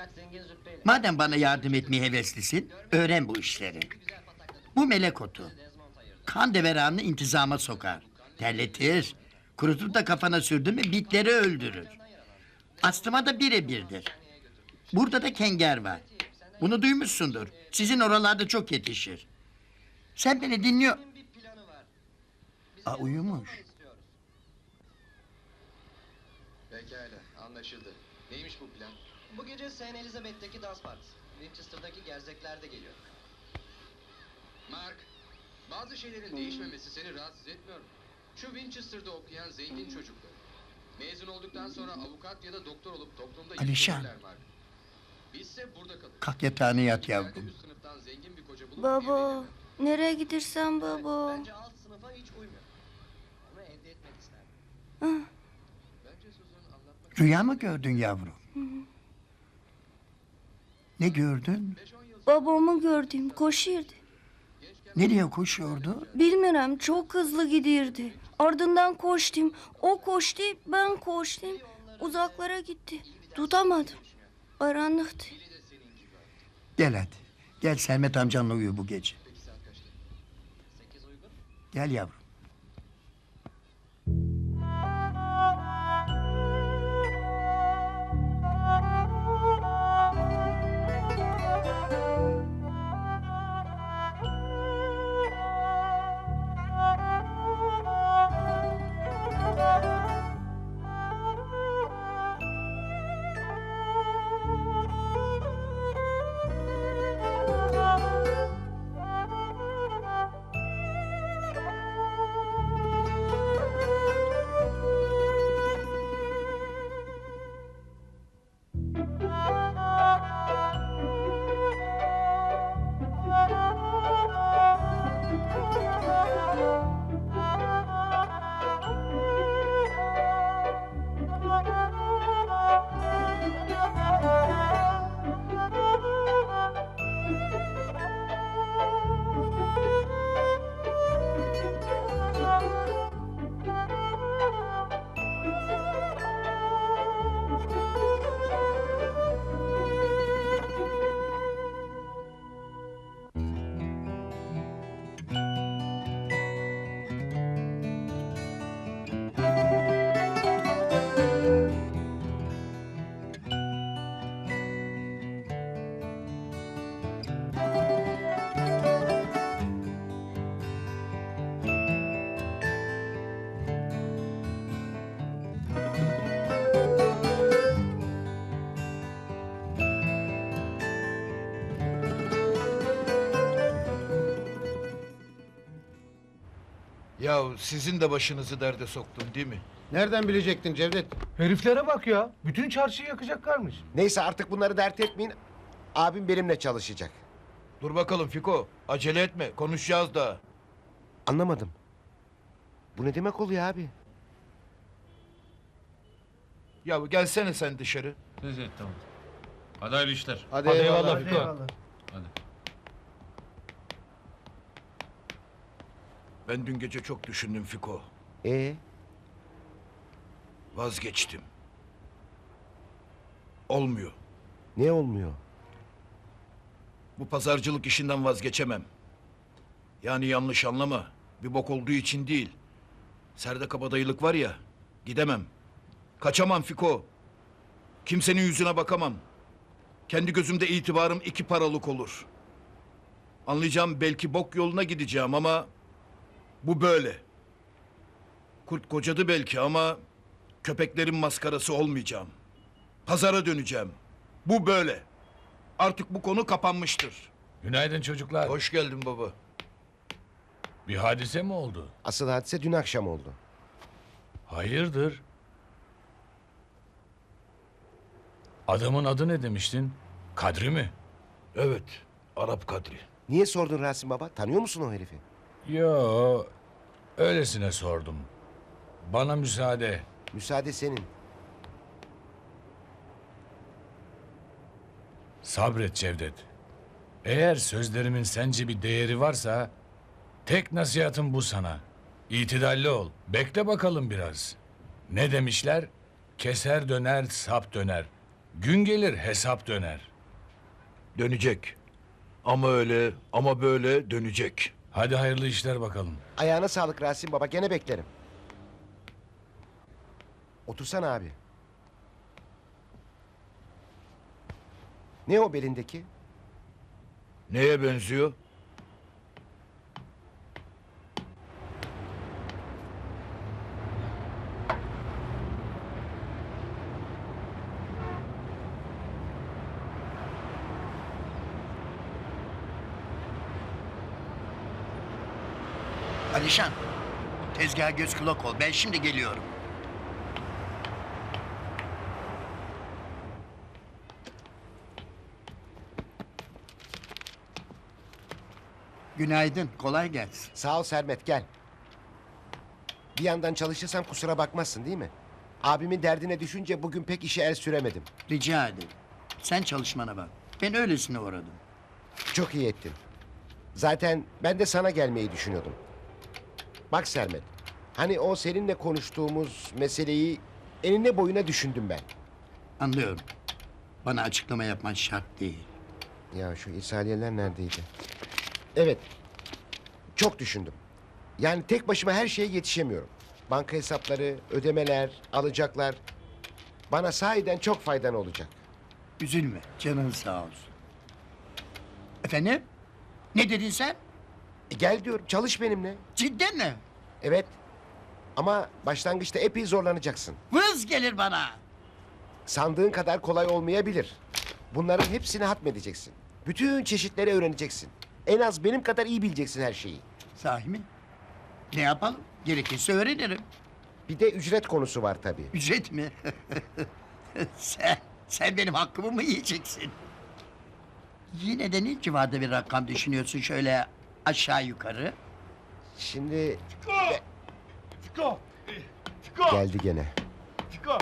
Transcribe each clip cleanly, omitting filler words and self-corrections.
Madem bana yardım etmeye heveslisin, öğren bu işleri. Bu melek otu. Kan deveranını intizama sokar. Terletir. Kurutup da kafana sürdün mü bitleri öldürür. Astıma da birebirdir. Burada da kenger var. Bunu duymuşsundur. Sizin oralarda çok yetişir. Sen beni dinliyor... Aa, uyumuş. Pekala, anlaşıldı. Neymiş bu plan? Bu gece St. Elizabeth'teki dans partisi. Winchester'daki gerzekler de geliyor. Mark, bazı şeylerin değişmemesi seni rahatsız etmiyor mu? Şu Winchester'da okuyan zengin çocuklar. Mezun olduktan sonra avukat ya da doktor olup toplumda Alişan. yükselirler Mark. Bizse burada kalırız. Kalk yatağına yat İleride yavrum. üst sınıftan zengin bir koca bulup Baba, evlenemem. nereye gidersen baba. Bence alt sınıfa hiç uymuyor. Onu elde etmek isterdim. Bence Susan anlatmak Rüya mı gördün yavrum? Ne gördün? 5-10 yıl Babamı gördüm, koşuyordu. Nereye koşuyordu? Bilmiyorum, çok hızlı gidiyordu. Ardından koştum. O koştu, ben koştum. Uzaklara gitti. Tutamadım. Karanlıktı. Gel hadi. Gel Sermet amcanla uyu bu gece. 8 uygun. Gel yavrum. Ya sizin de başınızı derde soktum değil mi? Nereden bilecektin Cevdet? Heriflere bak ya. Bütün çarşıyı yakacaklarmış. Neyse artık bunları dert etmeyin. Abim benimle çalışacak. Dur bakalım Fiko. Acele etme. Konuşacağız daha. Anlamadım. Bu ne demek oluyor abi? Ya gelsene sen dışarı. Evet, tamam. Hadi hayırlı işler. Hadi, eyvallah Fiko. Hadi. Ben dün gece çok düşündüm Fiko. Vazgeçtim. Olmuyor. Ne olmuyor? Bu pazarcılık işinden vazgeçemem. Yani yanlış anlama. Bir bok olduğu için değil. Serde kabadayılık var ya. Gidemem. Kaçamam Fiko. Kimsenin yüzüne bakamam. Kendi gözümde itibarım 2 paralık olur. Anlayacağım, belki bok yoluna gideceğim ama... Bu böyle. Kurt kocadı belki ama... Köpeklerin maskarası olmayacağım. Pazara döneceğim. Bu böyle. Artık bu konu kapanmıştır. Günaydın çocuklar. Hoş geldin baba. Bir hadise mi oldu? Asıl hadise dün akşam oldu. Hayırdır? Adamın adı ne demiştin? Kadri mi? Evet, Arap Kadri. Niye sordun Rasim baba? Tanıyor musun o herifi? Yo, öylesine sordum. Bana müsaade. Müsaade senin. Sabret Cevdet. Eğer sözlerimin sence bir değeri varsa... Tek nasihatım bu sana. İtidalli ol. Bekle bakalım biraz. Ne demişler? Keser döner, sap döner. Gün gelir hesap döner. Dönecek. Ama öyle ama böyle dönecek. Hadi hayırlı işler bakalım. Ayağına sağlık Rasim baba, gene beklerim. Otursana abi. Ne o belindeki? Neye benziyor? Alişan, tezgaha göz kulak ol. Ben şimdi geliyorum. Günaydın, kolay gelsin. Sağ ol Sermet, gel. Bir yandan çalışırsam kusura bakmazsın değil mi? Abimin derdine düşünce bugün pek işe el süremedim. Rica ederim. Sen çalışmana bak. Ben öylesine uğradım. Çok iyi ettin. Zaten ben de sana gelmeyi düşünüyordum. Bak Sermet, hani o seninle konuştuğumuz meseleyi enine boyuna düşündüm ben. Anlıyorum. Bana açıklama yapman şart değil. Ya şu İsaliyeler neredeydi? Evet, çok düşündüm. Yani tek başıma her şeye yetişemiyorum. Banka hesapları, ödemeler, alacaklar. Bana sahiden çok faydan olacak. Üzülme, canın sağ olsun. Efendim? Ne dedin sen? Gel diyorum, çalış benimle. Cidden mi? Evet. Ama başlangıçta epey zorlanacaksın. Vız gelir bana. Sandığın kadar kolay olmayabilir. Bunların hepsini hatmedeceksin. Bütün çeşitleri öğreneceksin. En az benim kadar iyi bileceksin her şeyi. Sahi mi? Ne yapalım? Gerekirse öğrenirim. Bir de ücret konusu var tabii. Ücret mi? sen benim hakkımı mı yiyeceksin? Yine de ne civarda bir rakam düşünüyorsun şöyle aşağı yukarı? Şimdi Fiko! Fiko! geldi gene. Fiko!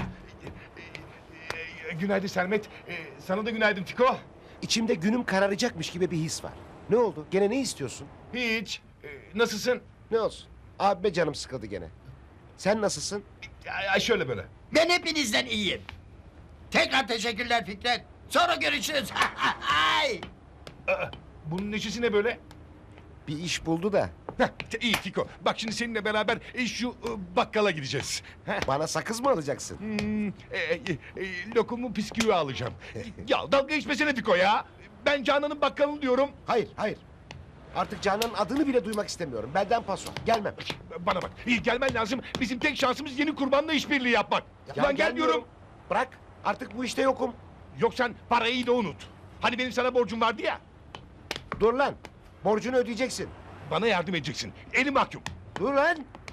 Günaydın Sermet. Sana da günaydın Fiko. İçimde günüm kararacakmış gibi bir his var. Ne oldu? Gene ne istiyorsun? Hiç. Nasılsın? Ne olsun? Abime canım sıkıldı gene. Sen nasılsın? Ya şöyle böyle. Ben hepinizden iyiyim. Tekrar teşekkürler Fikret. Sonra görüşürüz. Ay! Bunun neşesi ne böyle? Bir iş buldu da İyi Fiko. Bak şimdi seninle beraber şu bakkala gideceğiz. bana sakız mı alacaksın? Lokumu bisküvi alacağım. Ya dalga geçmesene Fiko ya. Ben Canan'ın bakkalını diyorum. Hayır, hayır. Artık Canan'ın adını bile duymak istemiyorum. Benden paso. Gelmem. Bana bak. Gelmen lazım. Bizim tek şansımız yeni kurbanla işbirliği yapmak. Ya Lan gel diyorum. Bırak. Artık bu işte yokum. Yok sen parayı da unut. Hani benim sana borcum vardı ya. Dur lan. Borcunu ödeyeceksin. Bana yardım edeceksin. Elim mahkum. Dur lan.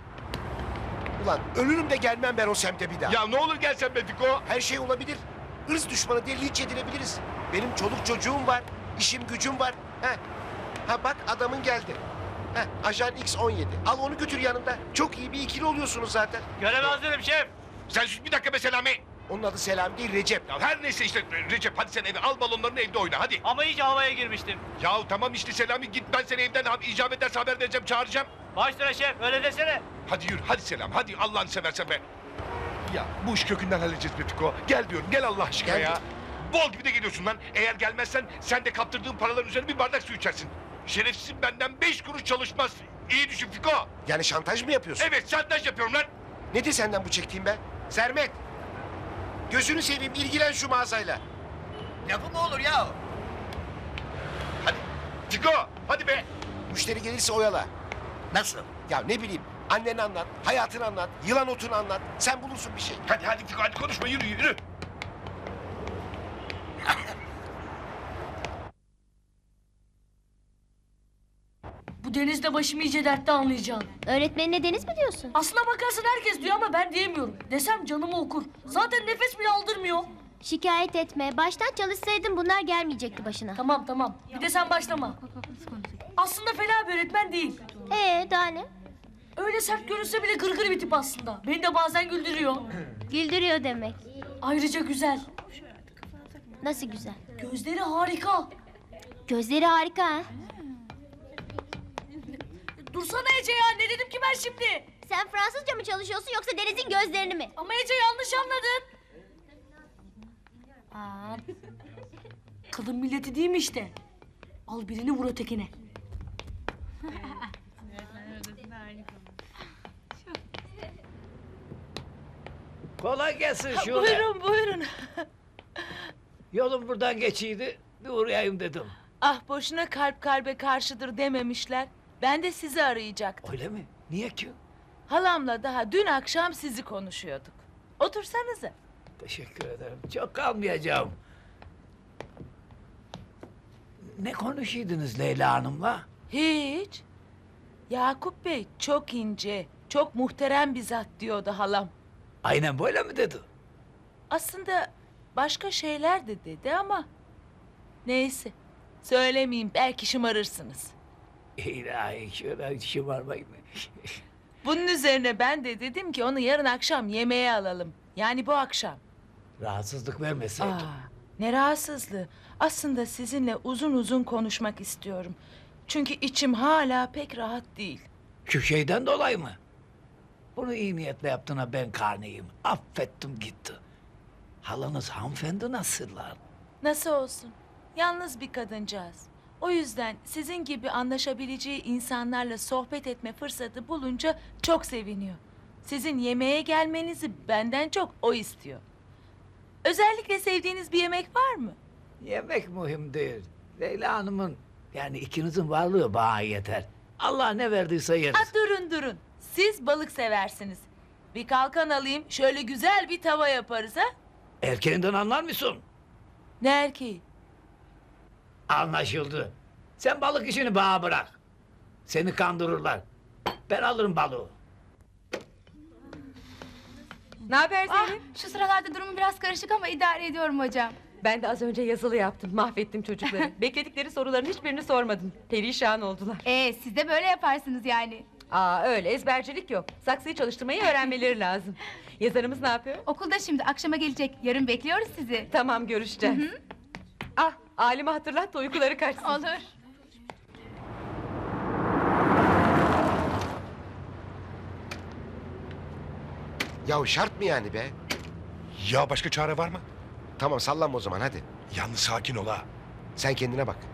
Ulan ölürüm de gelmem ben o semte bir daha. Ya ne olur gelsen be Fiko. Her şey olabilir. Irz düşmanı diye linç edilebiliriz. Benim çoluk çocuğum var. İşim gücüm var. Ha bak adamın geldi. Ajan X17. Al onu götür yanında. Çok iyi bir ikili oluyorsunuz zaten. Göreve hazırım şef. Sen sus bir dakika be Selami. Onun adı Selam değil Recep. Ya her neyse işte Recep hadi sen eve al balonlarını evde oyna hadi. Ama iyice havaya girmiştim. Ya tamam işte Selami git ben seni evden icap ederse haber vereceğim çağıracağım. Başla şef öyle desene. Hadi yürü hadi Selam hadi Allah'ını seversen be. Ya bu iş kökünden halledeceğiz be Fiko. Gel diyorum gel Allah aşkına Geldim. ya. Bol gibi de geliyorsun lan. Eğer gelmezsen sen de kaptırdığın paraların üzerine bir bardak su içersin. Şerefsizim benden 5 kuruş çalışmaz. İyi düşün Fiko. Yani şantaj mı yapıyorsun? Evet şantaj yapıyorum lan. Nedir senden bu çektiğim be? Sermet! Gözünü seveyim ilgilen şu mağazayla. Lafı mı olur ya? Hadi Fiko hadi be. Müşteri gelirse oyala. Nasıl? Ya ne bileyim anneni anlat, hayatını anlat, yılan otunu anlat. Sen bulursun bir şey. Hadi Fiko hadi konuşma yürü yürü. Bu denizde başım iyice dertte anlayacaksın. Öğretmenine deniz mi diyorsun? Aslına bakarsın herkes diyor ama ben diyemiyorum. Desem canımı okur. Zaten nefes bile aldırmıyor. Şikayet etme. Baştan çalışsaydın bunlar gelmeyecekti başına. Tamam. Bir de sen başlama. Aslında fena bir öğretmen değil. Daha ne? Öyle sert görünse bile gırgır bir tip aslında. Beni de bazen güldürüyor. Güldürüyor demek. Ayrıca güzel. Nasıl güzel? Gözleri harika. Gözleri harika ha. Dursana Ece ya ne dedim ki ben şimdi? Sen Fransızca mı çalışıyorsun yoksa Deniz'in gözlerini mi? Ama Ece yanlış anladın. Kadın milleti değil mi işte? Al birini vur ötekine. Kolay gelsin Şule. Buyurun buyurun. Yolum buradan geçiydi. Bir uğrayayım dedim. Ah boşuna kalp kalbe karşıdır dememişler. Ben de sizi arayacaktım. Öyle mi? Niye ki? Halamla daha dün akşam sizi konuşuyorduk. Otursanıza. Teşekkür ederim. Çok kalmayacağım. Ne konuşuydunuz Leyla Hanım'la? Hiç. Yakup Bey çok ince, çok muhterem bir zat diyordu halam. Aynen böyle mi dedi? Aslında başka şeyler de dedi ama... Neyse. Söylemeyeyim belki şımarırsınız. İlahi şöyle şımarmayın. Bunun üzerine ben de dedim ki onu yarın akşam yemeğe alalım. Yani bu akşam. Rahatsızlık vermeseydin. Ne rahatsızlığı. Aslında sizinle uzun uzun konuşmak istiyorum. Çünkü içim hala pek rahat değil. Şu şeyden dolayı mı? Bunu iyi niyetle yaptığına ben karnıyım. Affettim gitti. Halanız hanımefendi nasıllar? Nasıl olsun? Yalnız bir kadıncağız. O yüzden sizin gibi anlaşabileceği insanlarla sohbet etme fırsatı bulunca çok seviniyor. Sizin yemeğe gelmenizi benden çok o istiyor. Özellikle sevdiğiniz bir yemek var mı? Yemek mühim değil. Leyla Hanım'ın yani ikinizin varlığı bana yeter. Allah ne verdiyse yeriz. Durun. Siz balık seversiniz. Bir kalkan alayım şöyle güzel bir tava yaparız ha? Erkeğinden anlar mısın? Ne erkeği? Anlaşıldı. Sen balık işini bana bırak. Seni kandırırlar. Ben alırım balığı. Ne haber Zeynep? Şu sıralarda durumu biraz karışık ama idare ediyorum hocam. Ben de az önce yazılı yaptım. Mahvettim çocukları. Bekledikleri soruların hiçbirini sormadım. Perişan oldular. Siz de böyle yaparsınız yani. Öyle ezbercilik yok. Saksıyı çalıştırmayı öğrenmeleri lazım. Yazarımız ne yapıyor? Okulda şimdi akşama gelecek. Yarın bekliyoruz sizi. Tamam görüşeceğiz. Alime hatırlat da uykuları kaçsın. Olur. Ya şart mı yani be? Ya başka çare var mı? Tamam sallanma o zaman hadi. Yalnız sakin ol ha. Sen kendine bak.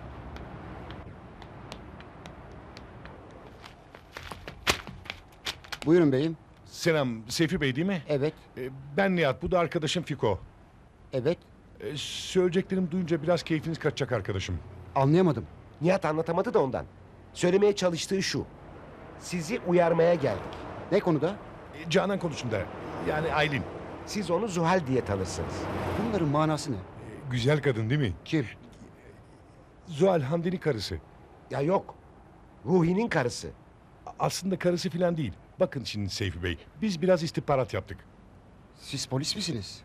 Buyurun beyim. Selam, Seyfi Bey değil mi? Evet, Ben Nihat, bu da arkadaşım Fiko. evet. Söyleyeceklerimi duyunca biraz keyfiniz kaçacak arkadaşım. Anlayamadım. Nihat anlatamadı da ondan. Söylemeye çalıştığı şu. Sizi uyarmaya geldik. Ne konuda? Canan konusunda, yani Aylin. Siz onu Zuhal diye tanırsınız. Bunların manası ne? Güzel kadın değil mi? Kim? Zuhal Hamdi'nin karısı. Ya yok. Ruhi'nin karısı. Aslında karısı falan değil. Bakın şimdi Seyfi Bey, biz biraz istihbarat yaptık. Siz polis misiniz?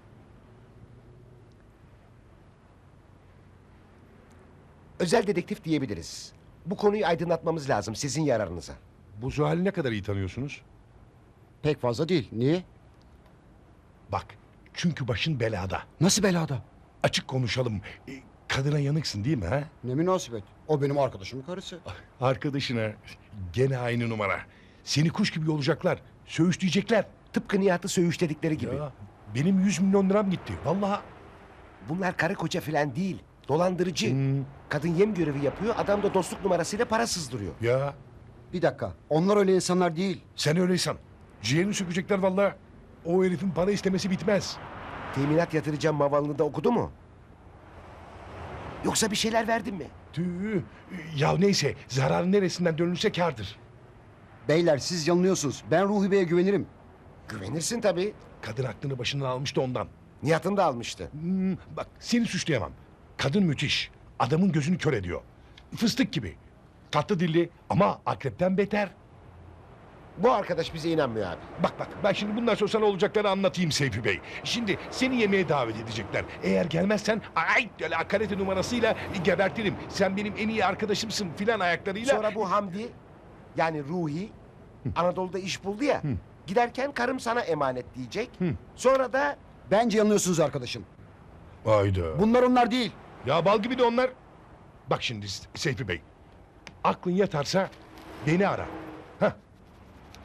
Özel dedektif diyebiliriz. Bu konuyu aydınlatmamız lazım sizin yararınıza. Bu Zuhal'i ne kadar iyi tanıyorsunuz? Pek fazla değil. Niye? Bak, çünkü başın belada. Nasıl belada? Açık konuşalım. Kadına yanıksın değil mi ha? Ne münasebet. O benim arkadaşımın karısı. Arkadaşına gene aynı numara. Seni kuş gibi yolacaklar. Söğüşleyecekler. Tıpkı Nihat'ı söğüşledikleri gibi. Ya, benim 100 milyon liram gitti. Vallahi. Bunlar karı koca falan değil. Dolandırıcı. Kadın yem görevi yapıyor. Adam da dostluk numarasıyla para sızdırıyor. Ya Bir dakika. Onlar öyle insanlar değil. sen öyleysen. Ciğerini sökecekler vallahi. O herifin para istemesi bitmez. Teminat yatıracağım mavalını da okudu mu? Yoksa bir şeyler verdin mi? Tüh. Ya neyse, zararın neresinden dönülse kârdır. Beyler siz yanılıyorsunuz. Ben Ruhi Bey'e güvenirim. Güvenirsin tabii. Kadın aklını başından almıştı ondan. Nihat'ın da almıştı. Bak seni suçlayamam. Kadın müthiş. Adamın gözünü kör ediyor. Fıstık gibi. Tatlı dilli ama akrepten beter. Bu arkadaş bize inanmıyor abi. Bak ben şimdi bundan sonra sana olacakları anlatayım Seyfi Bey. Şimdi seni yemeğe davet edecekler. Eğer gelmezsen öyle karate numarasıyla gebertirim. Sen benim en iyi arkadaşımsın filan ayaklarıyla. Sonra bu Hamdi yani Ruhi Anadolu'da iş buldu ya. Giderken karım sana emanet diyecek. Sonra da Bence yanılıyorsunuz arkadaşım. Hayda. Bunlar onlar değil. Ya bal gibi de onlar. Bak şimdi Seyfi Bey. Aklın yatarsa beni ara. Hah.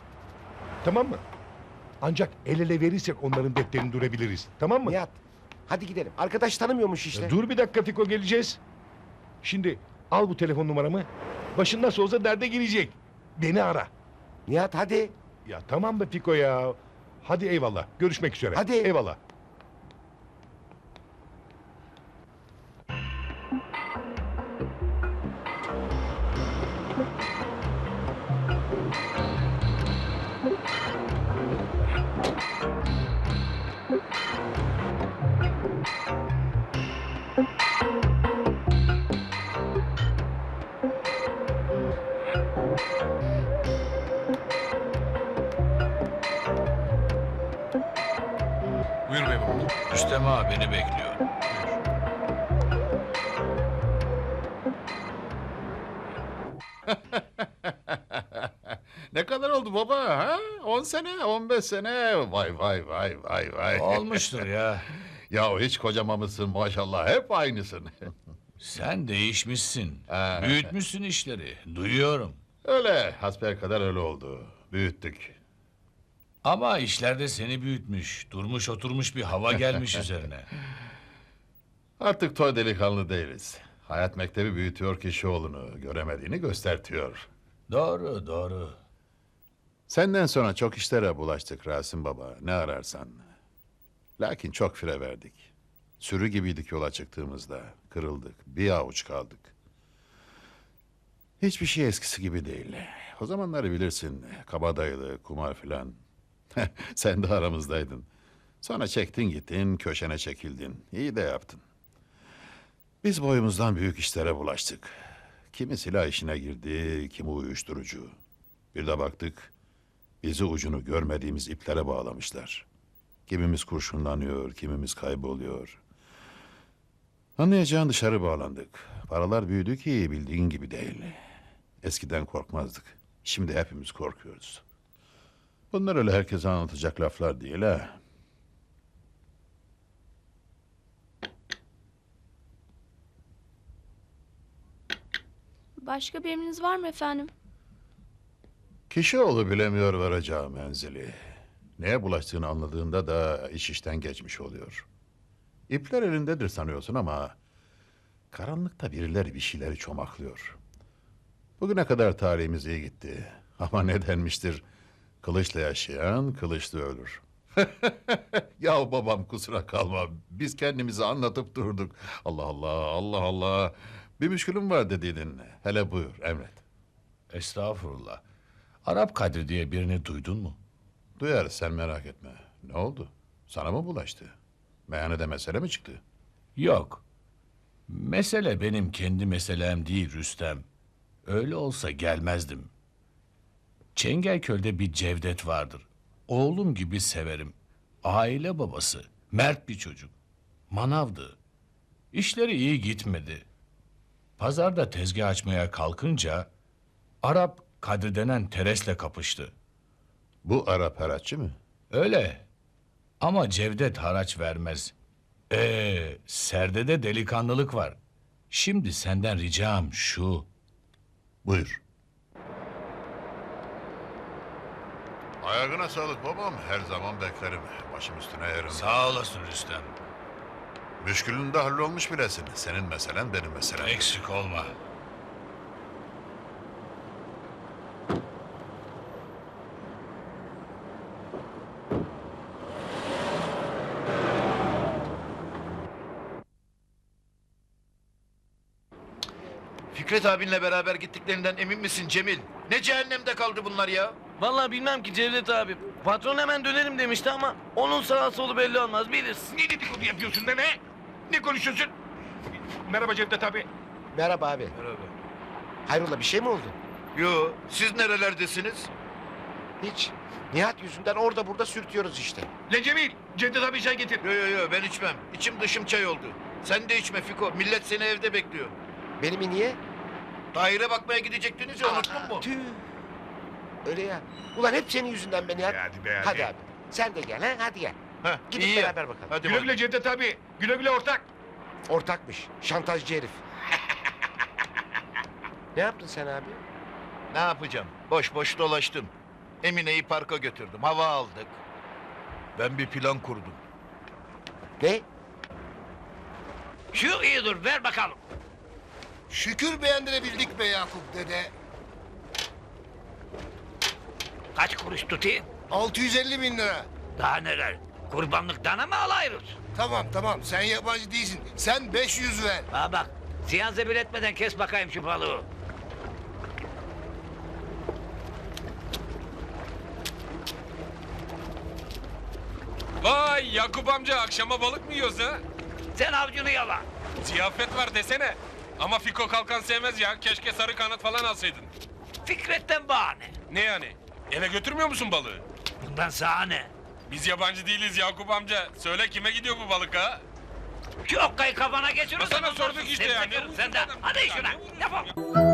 Tamam mı? Ancak el ele verirsek onların defterini durabiliriz. Tamam mı? Nihat Hadi gidelim. Arkadaş tanımıyormuş işte. Dur bir dakika Fiko, geleceğiz. Şimdi al bu telefon numaramı. Başın nasıl olsa derde girecek. Beni ara. Nihat hadi. Ya tamam be Fiko ya. Hadi eyvallah. Görüşmek üzere. Hadi. Eyvallah. Buyur bey baba. Rüstem ağa beni bekliyor. Ne kadar oldu baba ha? 10 sene, 15 sene. Vay vay vay vay vay. Olmuştur ya. Ya hiç kocamamışsın maşallah. Hep aynısın. Sen değişmişsin. Büyütmüşsün işleri. Duyuyorum. Öyle hasbelkader öyle oldu. Büyüttük. Ama işlerde seni büyütmüş. Durmuş oturmuş bir hava gelmiş üzerine. Artık toy delikanlı değiliz. Hayat mektebi büyütüyor kişioğlunu. Göremediğini göstertiyor. Doğru doğru. Senden sonra çok işlere bulaştık Rasim Baba. Ne ararsan. Lakin çok fire verdik. Sürü gibiydik yola çıktığımızda. Kırıldık. Bir avuç kaldık. Hiçbir şey eskisi gibi değil. O zamanları bilirsin. Kabadayılı, kumar filan. Sen de aramızdaydın. Sonra çektin gittin, köşene çekildin. İyi de yaptın. Biz boyumuzdan büyük işlere bulaştık. Kimi silah işine girdi, kimi uyuşturucu. Bir de baktık, bizi ucunu görmediğimiz iplere bağlamışlar. Kimimiz kurşunlanıyor, kimimiz kayboluyor. Anlayacağın dışarı bağlandık. Paralar büyüdü ki bildiğin gibi değil. Eskiden korkmazdık. Şimdi hepimiz korkuyoruz. Bunlar öyle herkese anlatacak laflar değil ha. Başka bir emriniz var mı efendim? Kişioğlu bilemiyor varacağı menzili. Neye bulaştığını anladığında da iş işten geçmiş oluyor. İpler elindedir sanıyorsun ama karanlıkta birileri bir şeyleri çomaklıyor. Bugüne kadar tarihimiz iyi gitti. Ama ne denmiştir? Kılıçla yaşayan kılıçla ölür. Ya babam kusura kalma. Biz kendimizi anlatıp durduk. Allah Allah, Allah Allah. Bir müşkülüm var dediydin. Hele buyur, emret. Estağfurullah. Arap Kadri diye birini duydun mu? Duyarız, sen merak etme. Ne oldu? Sana mı bulaştı? Meyhanede mesele mi çıktı? Yok. Mesele benim kendi meselem değil Rüstem. Öyle olsa gelmezdim. Çengelköy'de bir Cevdet vardır. Oğlum gibi severim. Aile babası. Mert bir çocuk. Manavdı. İşleri iyi gitmedi. Pazarda tezgah açmaya kalkınca Arap Kadri denen teresle kapıştı. Bu Arap haraççı mı? Öyle. Ama Cevdet haraç vermez. Serde de delikanlılık var. Şimdi senden ricam şu. Buyur. Ayağına sağlık babam. Her zaman beklerim. Başım üstüne yerim. Sağ olasın Rüstem. Müşkülün de hallolmuş bilesin. Senin meselen benim meselem. Eksik olma. Fikret abinle beraber gittiklerinden emin misin Cemil? Ne cehennemde kaldı bunlar ya? Vallahi bilmem ki Cevdet abi. Patron hemen dönerim demişti ama onun sağa solu belli olmaz bilirsin. Ne dedikodu yapıyorsun da ne? Ne konuşuyorsun? Merhaba Cevdet abi. Merhaba abi. Merhaba. Hayrola bir şey mi oldu? Yo, siz nerelerdesiniz? Hiç. Nihat yüzünden orada burada sürtüyoruz işte. Le Cemil, Cevdet abi çay getir. Yo, ben içmem. İçim dışım çay oldu. Sen de içme Fiko. Millet seni evde bekliyor. Benim niye? Daire bakmaya gidecektiniz ya, unuttun mu? Tüh. Öyle ya. Ulan hep senin yüzünden be Nihat. Hadi be hadi. Hadi abi. Sen de gel ha hadi gel. Heh, Gidip iyi ya. beraber bakalım. Hadi Güle güle Cevdet abi. Güle güle ortak. Ortakmış. Şantajcı herif. Ne yaptın sen abi? Ne yapacağım? Boş boş dolaştım. Emine'yi parka götürdüm. Hava aldık. Ben bir plan kurdum. Ne? Şu iyi dur, ver bakalım. Şükür beğendirebildik be Yakup dede. Kaç kuruş tutayım? 650 bin lira. Daha neler? Kurbanlık dana mı alayırız? Tamam sen yabancı değilsin. Sen 500 ver. Bana bak, ziyan zebil etmeden kes bakayım şu balığı. Vay Yakup amca akşama balık mı yiyoruz ha? Sen avcunu yala. Ziyafet var desene. Ama Fiko kalkan sevmez ya. Keşke sarı kanat falan alsaydın. Fikret'ten bahane. Ne yani? Eve götürmüyor musun balığı? Bundan sana ne? Biz yabancı değiliz Yakup amca. Söyle kime gidiyor bu balık ha? Şu okkayı kafana geçirirsen... Sana sorduk işte ya. Sen de. Hadi şuna. Yapalım.